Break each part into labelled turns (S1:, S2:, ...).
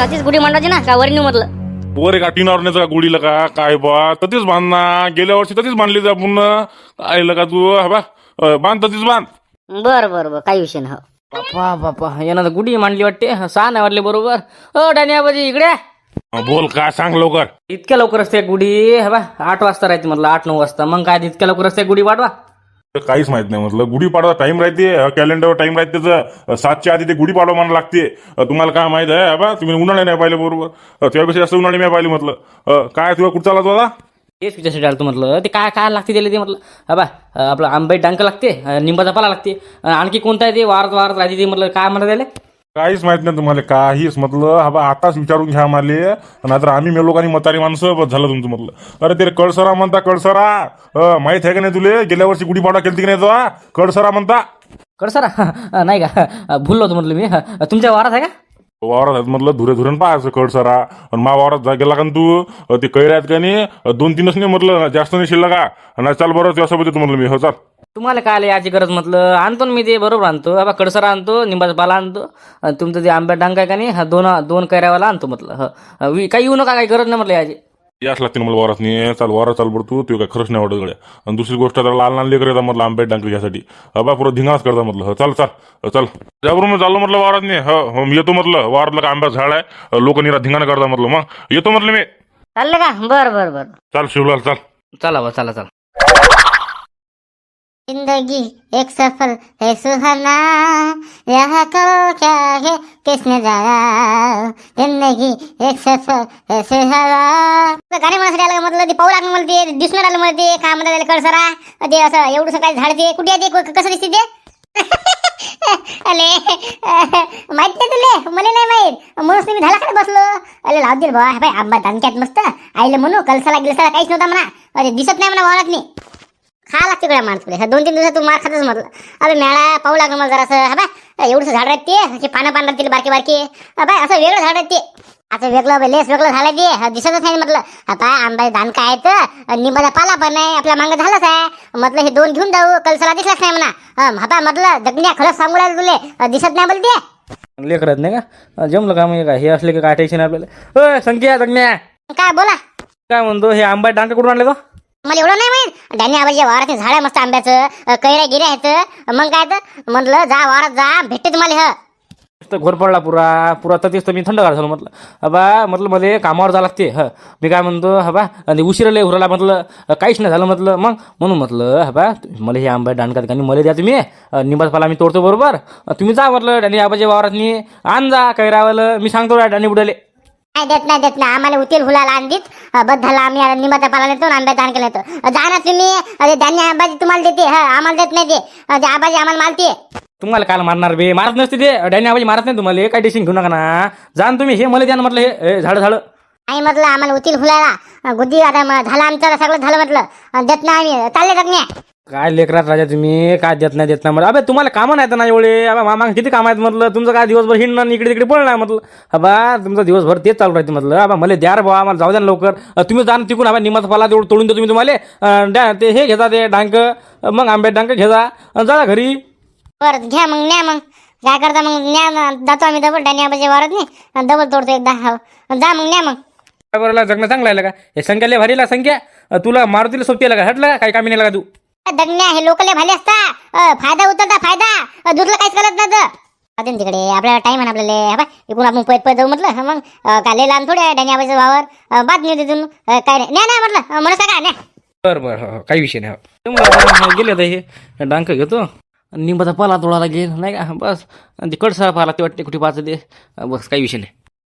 S1: अशीच गुढी मांडायची ना का वरणी म्हटलं.
S2: वर एका टिनावर न्यायचं का गुढीला का काय बा ततीच बांध ना. गेल्या वर्षी ततीच बांधली जा पुन्हा आईला का तू हा बा बांध ततीच बांध.
S1: बरं बरं बरं काही विषय नाही.
S3: बापा बापा यानं तर गुढी मांडली वाटते. 6 नाही वाटले बरोबर. डाणी आबाजी इकडे या.
S2: बोल काय सांग लवकर.
S3: इतक्या लवकर असते गुढी हा बा 8 वाजता राहते म्हटलं 8-9 वाजता. मग काय इतक्या लवकर असते गुढी वाढवा.
S2: काहीच माहित नाही म्हटलं. गुढीपाडवा टाइम राहते कॅलेंडरवर टाइम राहते त्याचं 7च्या आधी ते गुढीपाडवा म्हणायला लागते. तुम्हाला काय माहित आहे बा तुम्ही उन्हाळे नाही पाहिले बरोबर. त्यापेक्षा जास्त उन्हाळे मी पाहिले म्हटलं. काय तुला कुठं चालला तू आता.
S3: तेच विचारसाठी आलं म्हटलं ते काय काय लागते त्याला ते म्हटलं हा बा आपलं आंबे डांक लागते निंबाचा पाला लागते आणखी कोणता आहे ते वारत वारत राहते ते म्हटलं काय म्हणतात त्याला.
S2: काहीच माहित नाही तुम्हाला काहीच म्हटलं. हा बा आताच विचारून घ्या माले नाहीतर आम्ही मेलो आणि म्हातारी माणसं बस झालं तुमचं म्हटलं. अरे ते कळसरा म्हणता कळसरा माहित आहे का नाही तुले. गेल्या वर्षी गुढीपाडवा केलती की नाही तो कळसरा म्हणता.
S3: कडसरा नाही का भुललो होतो म्हटलं मी. तुमच्या वारात आहे का.
S2: वावरात आहेत म्हटलं धुरे धुरण पाहायचं कळसरा. आणि मा वावरात गेला का तू ते कैऱ्या आहेत का नाही 2-3च नाही म्हटलं जास्त नाही शिल्लक का. नाही चाल बरं त्यासोबत येतो म्हटलं मी. हो चाल.
S3: तुम्हाला काय याची गरज म्हटलं आणतो ना मी ते बरोबर आणतो. बाबा कडसरा आणतो निंबाचा पाला आणतो आणि तुमचं ते आंब्या डांग आहे का नाही हा दोन कैऱ्यावाला आणतो म्हटलं. काही येऊ नका काही गरज नाही म्हटलं याची.
S2: याच लागते ना मला वारात नाही. चाल वारा चाल बरं तू काय खरंच नाही वाटत गड्या. आणि दुसरी गोष्ट तर लहान लहान लेकर येतात म्हटलं आंब्यात डांक घ्यासाठी. बा पुरं धिंगाच करता म्हटलं. चाल चाल चाल त्याबरोबर मी चाललो म्हटलं वारात नाही. हो मी येतो म्हटलं. वारातलं का आंब्याचं झाड आहे लोक निरा धिंगाणं करता म्हटलं. मग येतो म्हटलं मी.
S1: चाललं का. बरं बरं बरं.
S2: चाल शिवलाल चाल.
S3: चला बा चला चला.
S4: जिंदगी एक सफर है सुहाना यहाँ तो क्या है किसने जाना जिंदगी एक सफर है सुहाना. गाणे म्हणण्यासाठी आलं म्हटलं ते पाहू लागलं मला ते दिसून आलं मला ते काय म्हणतात त्याला कळसरा ते असं एवढं काय झाड ते कुठे आहे ते कसं दिसते ते. अले माहित नाही तुले मला नाही माहित म्हणून तुम्ही झाला का बसलो. अरे लाव दे बा बाई आंबा धमक्यात मस्त आईला म्हणू कलसाला गिलसाला काहीच नव्हता म्हणा. अरे दिसत नाही म्हणा वावरात नाही खा लागते गड्या माणसं. 2-3 दिवसात तू मार खातच म्हटलं. अरे मेळा पाहू लागलं मला जरासं हा बा एवढंसं झाड आहेत ते पानं पानं राहतील बारके बारके बाय असं वेगळं झाड आहेत ते. असं वेगळं लेस वेगळं झालं ते दिसतच नाही म्हटलं. आता आंबा धान काय आहेत निंबाचा पाला पण आहे आपल्या मागं झालंच आहे म्हटलं. हे 2 घेऊन जाऊ कलसाला दिसलाच नाही म्हणा. हापा म्हटलं जगण्या खरंच सांगू राहिलं तुले दिसत नाही बोलते.
S3: लेकरत नाही का जमलं का मग काय हे असले की काय टेन्शन आपल्याला. संख्या जगण्या
S4: काय बोला
S3: काय म्हणतो हे आंबा डांक कुठून आणले तो.
S4: मला एवढं नाही माहित. डॅनी आबाजी वावरात झाड आहे मस्त आंब्याचं कैऱ्या गिऱ्या आहेत. मग काय तर म्हटलं जा वावरात जा भेटते तुम्हाला.
S3: घोर पडला पुरा ततीच तर मी थंडगार झालो म्हटलं. हबा म्हटलं मला कामावर जावं लागते. मी काय म्हणतो हबा आणि उशिरा लय उरला म्हटलं काहीच नाही झालं म्हटलं. मग म्हणून म्हटलं हबा मला हे आंबा डांडकात का मला द्या तुम्ही निंबाचा पाला मी तोडतो बरोबर. तुम्ही जा म्हटलं डॅनी आबाजी वावरात आण जा कैरावालं मी सांगतो डॅनी बुडाले.
S4: नाही देत नाही आम्हाला उतील हुलाला आणलीत बद्धाला आम्ही निंबाचा पाला नेतो आंब्याचा दान केलं येतो. जा ना तुम्ही. अरे धान्य आंबाजी तुम्हाला देते आम्हाला देत नाही ते आबाजी आम्हाला मालते.
S3: तुम्हाला काल मारणार बे मारत नसते ते डॅनी आबाजी मारत नाही तुम्हाला. काय टेन्शन घेऊ नका ना. जाण तुम्ही हे मला द्या ना म्हटलं. हे झाड
S4: नाही म्हटलं आम्हाला उतील हुलाला गुद्दी आता झालं आमचं सगळं झालं म्हटलं देत नाही आम्ही चालले जगण्या.
S3: काय लेकरात राजा तुम्ही काय देत नाही म्हटलं. अबे तुम्हाला कामं नाहीत ना एवढे. अबा मामा किती काम आहेत म्हटलं. तुमचं काय दिवसभर हिंडणं इकडे तिकडे पळणार म्हटलं. अबा तुमचं दिवसभर तेच चालू राहते म्हटलं. अबा मला द्या रे बाबा आम्हाला जाऊ द्या लवकर. तुम्ही जाण तिकून हवा निंबाचा पाला तेवढं तोडून देतो तुम्ही तुम्हाला. द्या ते हे घेता ते डांक मग आंब्यात डांक घेता जा घरी.
S4: बरं घ्या मग न्या मग काय करता मग न्या जातो आम्ही डबल डॅनी आबाजी वावरात नाही डबल तोडतो एकदा. जा मग न्या मग.
S3: बरोबर जगणं चांगलं आहे का हे संख्याला भारीला संख्या तुला मारुतीला सोबती का हटलं का काही कामी नाही लागा तू.
S4: दगण्या हे लोकले भाले असता फायदा उतरता फायदा दुसरं काहीच करत नव्हतं. तिकडे आपल्याला टाइम आहे आपल्याला इकडून आपण पैत जाऊ म्हटलं. मग काय लहान थोडे डॅनी आबाईचं वावर बातमी होती तिथून काय नाही नाही म्हटलं म्हणून का नाही.
S3: बरं काही विषय नाही. गेले आता हे डांक घेतो निंबाचा पाला तोडायला गेल नाही का बस. आणि ते कडसा पाला ते वाटते कुठे पाच ते बस काही विषय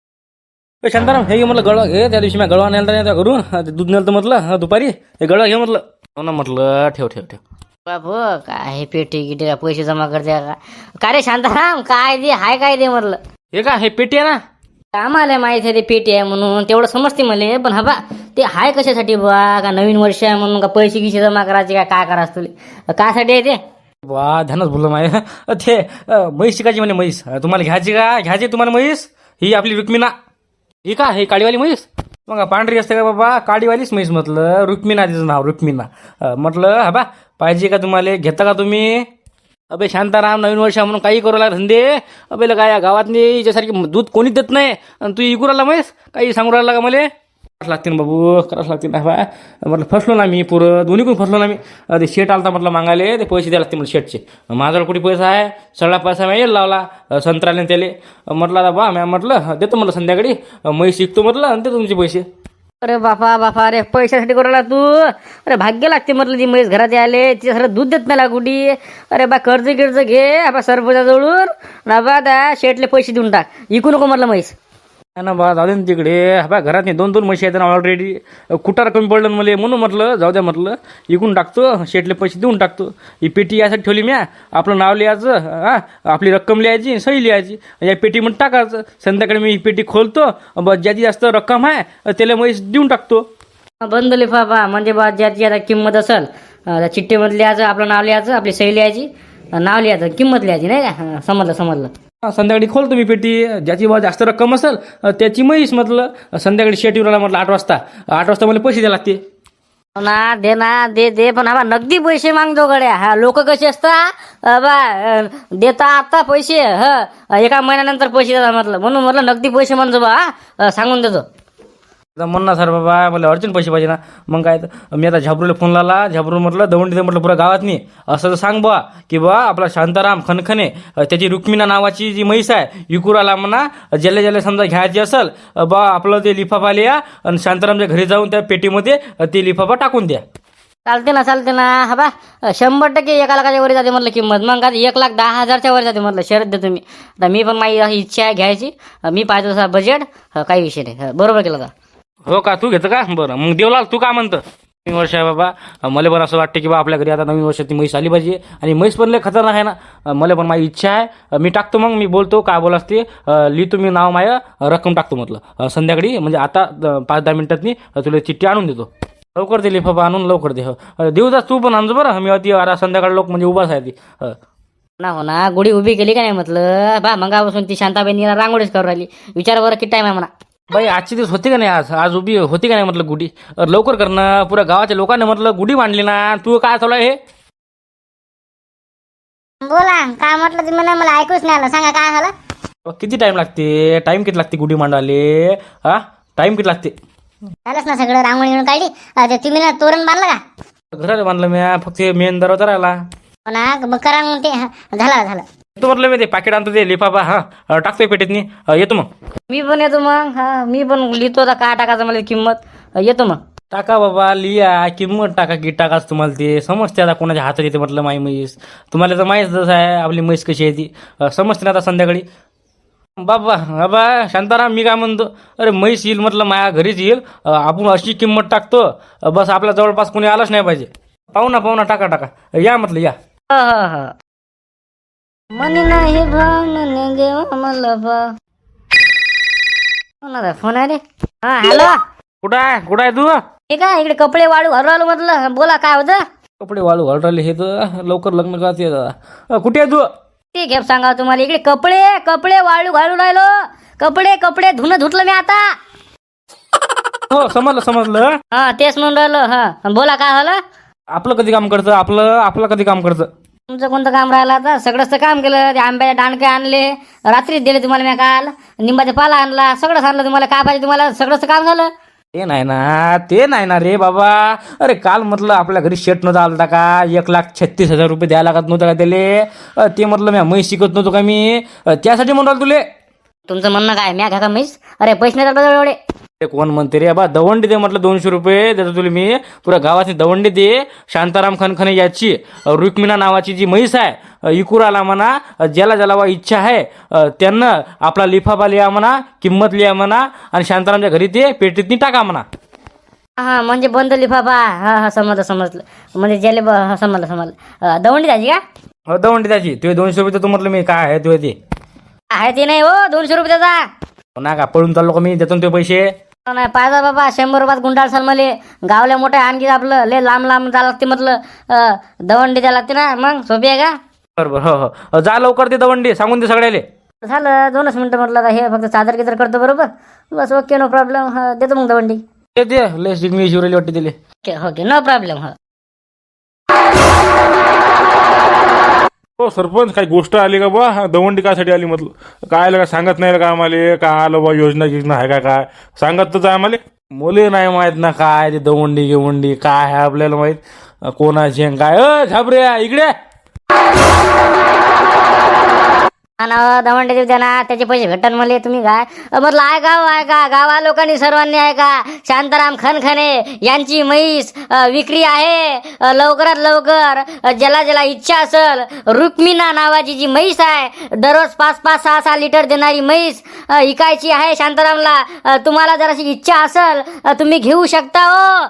S3: नाही. शांताराम हे म्हटलं गळवा घे. त्या दिवशी मी गळवा नेलता घरून दूध नेलं म्हटलं दुपारी हे गळवा घे म्हटलं. हो ना म्हटलं ठेव
S1: बापू काय पेटी गिटी पैसे जमा करते का रे शांताराम. काय दे हाय काय दे म्हटलं.
S3: हे का हे पेटी आहे ना.
S1: आम्हाला माहित आहे ते पेटी आहे म्हणून तेवढं समजते मला. पण हबा ते हाय कशासाठी बा का नवीन वर्ष आहे म्हणून का पैसे गिसे जमा करायचे काय करायचं तुले कासाठी आहे ते.
S3: वा ध्यानच बोललो माय. ते म्हैस शिकायची म्हणे म्हैस तुम्हाला घ्यायची तुम्हाला म्हैस. ही आपली रुक्मिणा ही का हे काळीवाली म्हैस. मग पांढरी असते का बाबा काळीवालीच म्हैस म्हटलं. रुक्मिणा तिचं नाव रुक्मिणा म्हटलं हा बा पाहिजे का तुम्हाला घेता का तुम्ही. अबे शांताराम, नवीन वर्ष म्हणून काही करू लागला धंदे. अबे लगा या गावातनी याच्यासारखी दूध कोणीच देत नाही आणि तू इकू राहिला म्हैस, काही सांगू राहिला का मला? करावंच लागते ना बाबू, करावंच लागते ना. बा म्हटलं फसलो ना मी, पुरं दोन्हीकडून फसलो ना मी. ते शेट आलता म्हटलं मागायले, ते पैसे द्यायला लागते मला शेटचे. माझ्याकडे कुठे पैसा आहे? सगळा पैसा मी लावला संत्र्याने त्याले. म्हटलं आता बा मॅम, म्हटलं देतो म्हटलं संध्याकाळी म्हैस शिकतो म्हटलं आणि देतो तुमचे पैसे.
S1: अरे बापा बापा, अरे पैशासाठी करायला तू? अरे भाग्य लागते म्हटलं ती म्हैस घरात आले, तिच्या सगळं दूध देत नाही कुठी. अरे बा कर्ज गिर्ज घे बा सरपंचाजवळून ना बा, त्या शेटले पैसे देऊन टाक, इकू नको म्हटलं म्हैस.
S3: ना बा जाऊ दे ना तिकडे. बा घरात नाही 2-2 म्हशी आहेत ना ऑलरेडी. कुटार कमी पडलं ना मला, म्हणून म्हटलं जाऊ द्या म्हटलं इकून टाकतो, शेटले पैसे देऊन टाकतो. ही पेटी यासाठी ठेवली म्या, आपलं नाव लिहायचं, हां आपली रक्कम लिहायची, सही लिहायची, या पेटीमध्ये टाकायचं. संध्याकाळी मी ही पेटी खोलतो, बस ज्याची जास्त रक्कम आहे त्याला म्हैस देऊन टाकतो.
S1: बंद लिफाफा म्हणजे बा ज्याची आता किंमत असेल त्या चिठ्ठीमध्ये लिहायचं, आपलं नाव लिहायचं, आपली सही लिहायची, नाव लिहायचं, किंमत लिहायची, नाही का? समजलं समजलं.
S3: संध्याकाळी खोलतो मी पेटी, ज्याची बा जास्त रक्कम असेल त्याची म्हैस. म्हटलं संध्याकाळी शेट येऊन म्हटलं 8 वाजता मला पैसे द्यायला लागते.
S1: ना दे ना, दे पण हा नगदी पैसे मागतो गड्या. हा लोक कसे असतात बा, देता आता पैसे एका महिन्यानंतर पैसे देतात म्हटलं, म्हणून म्हटलं नगदी पैसे म्हणतो बा, सांगून देतो.
S3: म्हणणार सर बाबा मला अर्जंट पैसे पाहिजे ना. मग काय तर मी आता झाबरूला फोन लावला. झाबरू म्हटलं दवंडी म्हटलं पुरा गावात नाही असं तर सांग बा की बा आपला शांताराम खनखने त्याची रुक्मिणा नावाची जी म्हैस आहे विकुराला म्हणा, ज्याला ज्याला समजा घ्यायची असेल बा आपलं ते लिफाफा लिहा आणि शांतारामच्या घरी जाऊन त्या पेटीमध्ये ते लिफाफा टाकून द्या.
S1: चालते ना. हा बा 100% एका लाखाच्या वर जाते म्हटलं किंमत. मग आता 1,10,000च्या वर जाते म्हटलं, शरद दे तुम्ही. आता मी पण माझी इच्छा आहे घ्यायची, मी पाहिजे तसा बजेट, काही विषय नाही. बरोबर केलं का?
S3: हो का, तू घेतं का? बरं मग देवलाल तू का म्हणतं? नवीन वर्ष आहे बाबा, मला पण असं वाटतं की बा आपल्या घरी आता नवीन वर्षात ती म्हैस आली पाहिजे. आणि म्हैस पण लय खतरनाक आहे ना. मला पण माझी इच्छा आहे, मी टाकतो. मग मी बोलतो काय बोल असते, लिहितो मी नाव माय, रक्कम टाकतो म्हटलं संध्याकाळी, म्हणजे आता 5-10 मिनिटातनी तुला चिठ्ठी आणून देतो. लवकर दे लिफाफा आणून, लवकर दे. देऊ जा तू पण आणजो बरं. मी अति आता संध्याकाळी लोक म्हणजे उभाच आहे ती.
S1: हो ना, गुढी उभी केली का नाही म्हटलं बा, मंगापासून ती शांताबाई रांगोळीच करून राहिली. विचार बरं किती टाइम आहे म्हणा.
S3: बाई आजची दिवस होती का नाही, आज उभी होती का नाही म्हटलं गुढी. लवकर करणं, पुऱ्या गावाच्या लोकांनी म्हटलं गुढी मांडली ना. तू काय चालू आहे हे?
S4: बोला काय म्हटलं तुम्ही? मला ऐकूच नाही आलं, सांगा काय झालं?
S3: किती टाइम लागते? टाइम किती लागते गुढी मांडाले? हा टाइम किती लागते?
S4: झालंच ना सगळं, रांगोळी घेऊन काढली. ते तुम्ही ना तोरण बांधलं का?
S3: घरात बांधलं मी, फक्त मेन दरवाजा राहिला.
S4: हो ना, मग करा मग ते. झालं.
S3: येतो म्हटलं मी, ते पाकिट आणतो ते लिफाफा, हा टाकतोय पेटीतनी. येतो मग.
S1: मी पण येतो मग. हा मी पण लिहितो आता काय टाकायचं मला किंमत. येतो मग.
S3: टाका बाबा, लिहा किंमत टाका की टाकाच. तुम्हाला ते समजते आता कोणाच्या हातात येते म्हटलं माई म्हैस. तुम्हाला तर माहीतच आहे आपली म्हैस कशी आहे ती, समजते ना आता संध्याकाळी. बाबा शांताराम, मी काय म्हणतो, अरे म्हैस येईल म्हटलं माया घरीच येईल, आपण अशी किंमत टाकतो बस, आपल्या जवळपास कोणी आलंच नाही पाहिजे. पाहुणा टाका या म्हटलं या.
S1: मनी नाही भावने देवा मला भाव. कोणाचा फोन आहे रे? हा हॅलो,
S3: कुठं आहे तू?
S1: ठीक आहे, इकडे कपडे वाळू हरवलं म्हटलं. बोला काय होतं?
S3: कपडे वाळू घालले हे तर लवकर लग्न करते दादा. कुठे आहे तू?
S1: ठीक आहे, सांगा तुम्हाला. इकडे कपडे वाळू घालू राहिलो. कपडे धुणं धुतलं मी आता.
S3: हो समजलं.
S1: हा तेच म्हणून राहिलो. हा बोला काय झालं?
S3: आपलं कधी काम करतं? आपलं कधी काम करतं?
S1: तुमचं कोणतं काम राहिलं आता? सगळंच तर काम केलं. ते आंब्याचे दांडके आणले, रात्रीच दिले तुम्हाला मी काल. निंबाचा पाला आणला, सगळंच आणलं तुम्हाला. काय पाहिजे तुम्हाला? सगळंच काम झालं.
S3: ते नाही ना रे बाबा. अरे काल म्हटलं आपल्या घरी शेट नव्हता आलता का? 1,36,000 रुपये द्यायला लागत नव्हतं का त्याले? ते म्हटलं मी म्हैस शिकत नव्हतो का मी, त्यासाठी म्हणतो तुले.
S1: तुमचं म्हणणं काय? म्या घ्या का म्हैस? अरे पैसे नाही जातात एवढे.
S3: ते कोण म्हणते रे बा? दवंडी दे म्हटलं, 200 रुपये देतो तुला मी. पुऱ्या गावाची दवंडी दे. शांताराम खनखने याची रुक्मिणा नावाची जी म्हैस आहे इकुराला म्हणा, ज्याला वा इच्छा आहे त्यांना आपला लिफाफा लिहा म्हणा, किंमत लिहा म्हणा, आणि शांतारामच्या घरी ते पेटीतनी टाका म्हणा.
S1: हा म्हणजे बंद लिफाफा. हा समजलं. म्हणजे ज्याला समजलं. दवंडी द्यायची का?
S3: हो दवंडी द्यायची. तुझे 200 रुपये देतो म्हटलं मी. काय आहे तुझे ते?
S1: आहे ते नाही हो, 200 रुपये द्यायचा.
S3: ना का पळून चाललो का मी? देतो ना ते पैसे.
S1: नाही पाहिजे बाबा, 100 रुपयात गुंडाळ सल मले. गावल्या मोठ्या आणखी आपलं लय लांब जायला लागते म्हटलं. दवंडी द्यायला लागते ना, मग सोपी आहे का?
S3: बरोबर. हो जा लवकर ते दवंडी सांगून दे सगळ्याले.
S1: झालं 2च मिनिटं म्हटलं. आता हे फक्त चादर किदर करतो बरोबर. बस ओके, नो प्रॉब्लेम. देतो मग दवंडी.
S3: ते लय सिग्नेचर शिवरेली वाटते दिले.
S1: Okay no problem.
S2: हो सरपंच काही गोष्ट आली का बा दवंडी कायसाठी आली म्हटलं काय आलं का सांगत नाही का आम्हाला काय आलं बा योजना आहे का काय सांगत तर आम्हाला.
S3: मुले नाही माहित ना काय ते दवंडी गिवंडी काय आहे आपल्याला माहित कोणाची आणि काय झाबऱ्या इकडे.
S1: ना दवंडे देऊ द्या ना त्याचे पैसे भेटन मला तुम्ही काय म्हटलं आहे का गावा लोकांनी सर्वांनी आहे का शांताराम खनखने यांची म्हैस विक्री आहे लवकरात लवकर ज्याला ज्याला इच्छा असेल रुक्मिणा नावाची जी म्हैस आहे दररोज 5-5, 6-6 लिटर देणारी म्हैस इकायची आहे शांतारामला. तुम्हाला जर अशी इच्छा असेल तुम्ही घेऊ शकता हो.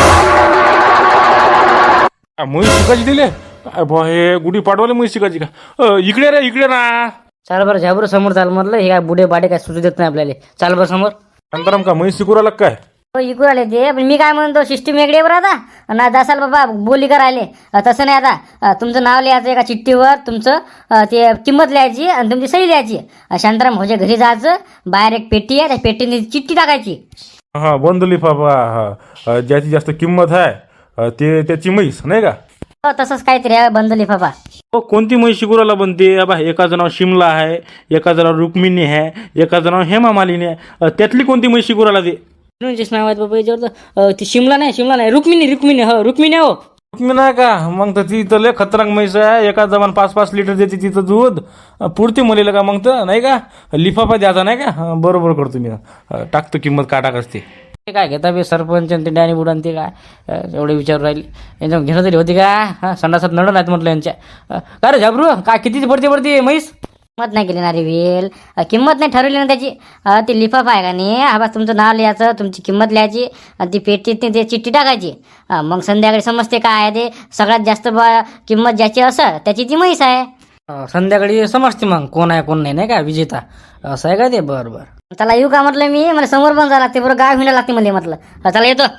S2: म्हैस शिकायची दिले काय बा हे गुढी पाडवाले म्हैस शिकायची का इकडे रे इकडे ना.
S1: चाल बरं झाबर समोर चाल म्हटलं हे काय बुडे बाडे काय सुचू देत नाही आपल्याला. चाल बरं समोर.
S2: शांताराम का म्हैस शिकू राहिला काय.
S1: हो इकू आले ते पण मी काय म्हणतो सिस्टीम वेगळी बरं आता ना दसाल बाबा बोली करायले तसं नाही. आता तुमचं नाव लिहायचं एका चिठ्ठीवर तुमचं ते किंमत लिहायची आणि तुमची सही लिहायची. शांताराम भाऊच्या घरी जायचं बाहेर एक पेटी आहे त्या पेटीने चिठ्ठी टाकायची.
S2: हा बंद लिफाफा हा ज्याची जास्त किंमत आहे ते त्याची म्हैस नाही का.
S1: हो तसंच काहीतरी आहे बंद लिफाफा.
S3: हो कोणती म्हैस शिकुराला बनते बा एकाचं नाव शिमला आहे एकाचं नाव रुक्मिणी आहे एकाचं नाव हेमा मालिनी आहे त्यातली कोणती म्हैस शिकुराला दे.
S1: नाव आहेत बाबा याच्यावर ती शिमला नाही रुक्मिणी हो रुक्मिणी हो.
S3: रुक्मिणी का मग तर ती तर लय खतरनाक म्हैस आहे एका जमान 5-5 लिटर देते तिचं दूध पुरते मुलीला का मग तर नाही का लिफाफा द्यायचा नाही का. बरोबर करतो मी टाकतो किंमत का टाकते.
S1: ते काय घेता बे सरपंच आणि ते डॅनी बुडान ते काय एवढे विचार राहिले यांच्या घेणं तरी होती का. हा संडासात नड नाहीत म्हटलं यांच्या. काय रे झाबरू काय किती पडते म्हैस. किंमत नाही केली ना रे वेल किंमत नाही ठरवली ना त्याची. ती लिफाफा आहे का नाही हा बस तुमचं नाव लिहायचं तुमची किंमत लिहायची आणि ती पेटीत ते चिठ्ठी टाकायची. मग संध्याकाळी समजते काय आहे ते सगळ्यात जास्त किंमत ज्याची असं त्याची ती म्हैस आहे. संध्याकाळी समजते मग कोण आहे कोण नाही का विजेता असं आहे का ते. बरं बरं त्याला येऊ का म्हटलं मी मला समोर पण जावं लागते बरं गाव हिंडा लागते मला म्हटलं चला येतो.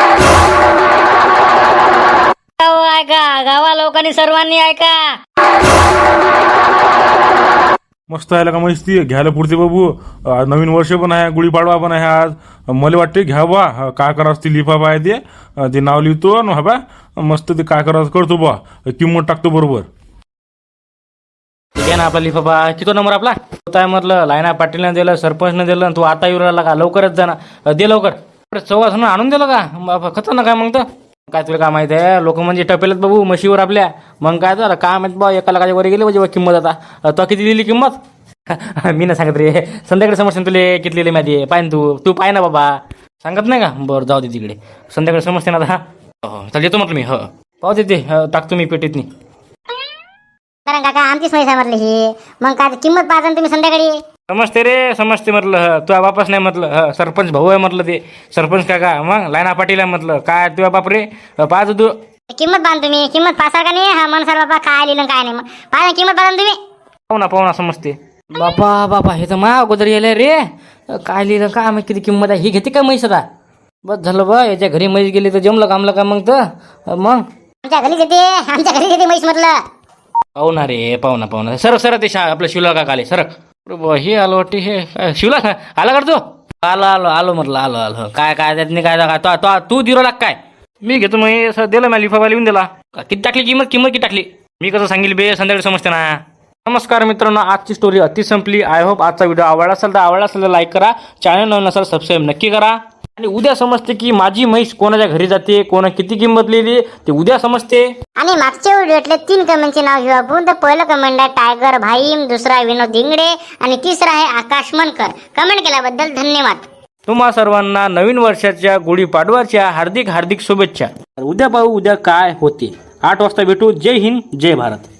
S1: ऐका गावा लोकांनी सर्वांनी ऐका.
S2: मस्त आहे का म्हैस ती घ्यायला पुरते बाबू. नवीन वर्ष पण आहे गुढीपाडवा पण आहे आज. मला वाटते घ्या बा काय करावं ती लिफाफा आहे ते नाव लिहितो हा बा मस्त ते काय करावं करतो बा किंमत टाकतो बरोबर.
S3: ठीक आहे ना आपला लिफाफा किती नंबर आपला काय म्हटलं लायना पाटीलनं दिलं सरपंचनं दिलं तू आता येऊ राहिला का लवकरच जा ना दे लवकर. चौघासनं आणून दिलं का खतरनाक काय मग तर काय तुला काय माहिती आहे लोक म्हणजे टपेलत बाबू म्हशीवर आपल्या. मग काय तर काय माहित बा एका लाखाच्या वर गेली म्हणजे किंमत आता तो किती दिली किंमत मी ना सांगत रे संध्याकाळी समजते तुले किती लिहिली माहिती पाय तू पाय ना बाबा सांगत नाही का. बरं जाऊ दे तिकडे संध्याकाळी समजते ना आता. हो चल येतो म्हटलं मी हो पाहू देते टाकतो मी पेटीतनी.
S4: कारण काका आमचीच म्हैस आहे म्हटलं ही मग काय किंमत पाहता ना तुम्ही संध्याकाळी.
S3: समजते रे समजते म्हटलं तुझ्या बापास नाही म्हटलं सरपंच भाऊ आहे म्हटलं ते सरपंच काका मग लायना पाटील आहे म्हटलं काय तुझ्या बाप रे पाहतो तू
S4: किंमत पाहा तुम्ही किंमत पासा का नाही हा मनसर बाबा काय लिहिलं काय नाही मग पाहा किंमत पाहा तुम्ही.
S3: पाहू ना समजते.
S1: बापा हे तर मा अगोदर येले रे काय लिहिलं का मग किती किंमत आहे ही घेते का म्हैस आता. बस झालं बा याच्या घरी म्हैस गेली तर जमलं कामलं का मग तर मग
S4: आमच्या घरी येते म्हैस म्हटलं.
S3: पाहू ना रे पाहू ना सर ते आपल्या शिवला का आले सरक हे आलो वाटते हे शिवला आला कर तू. आलो म्हटलं आलो काय त्यातनी काय तू दिरो लाग काय मी घेतो मग दिलं मला लिफाफा लिहून दिला. किती टाकली किंमत किती टाकली मी कसं सांगेल बे संध्याकाळी समजते ना. नमस्कार मित्रांनो आजची स्टोरी अति संपली. आय होप आजचा व्हिडिओ आवडला असेल तर लाईक करा. चॅनल नवीन असेल सबस्क्राईब नक्की करा. आणि उद्या समजते की माझी म्हैस कोणाच्या घरी जाते कोणा किती किंमत लिहिली ते उद्या समजते.
S4: आणि मागच्या व्हिडिओतले 3 कमेंटचे नाव घेऊ आपण. तर पहिलं कमेंट आहे टायगर भाईम दुसरा विनोद इंगडे आणि तिसरा आहे आकाश मनकर. कमेंट केल्याबद्दल धन्यवाद.
S3: तुम्हा सर्वांना नवीन वर्षाच्या गुढीपाडव्याच्या हार्दिक शुभेच्छा. उद्या पाहू उद्या काय होते. 8 वाजता भेटू. जय हिंद जय भारत.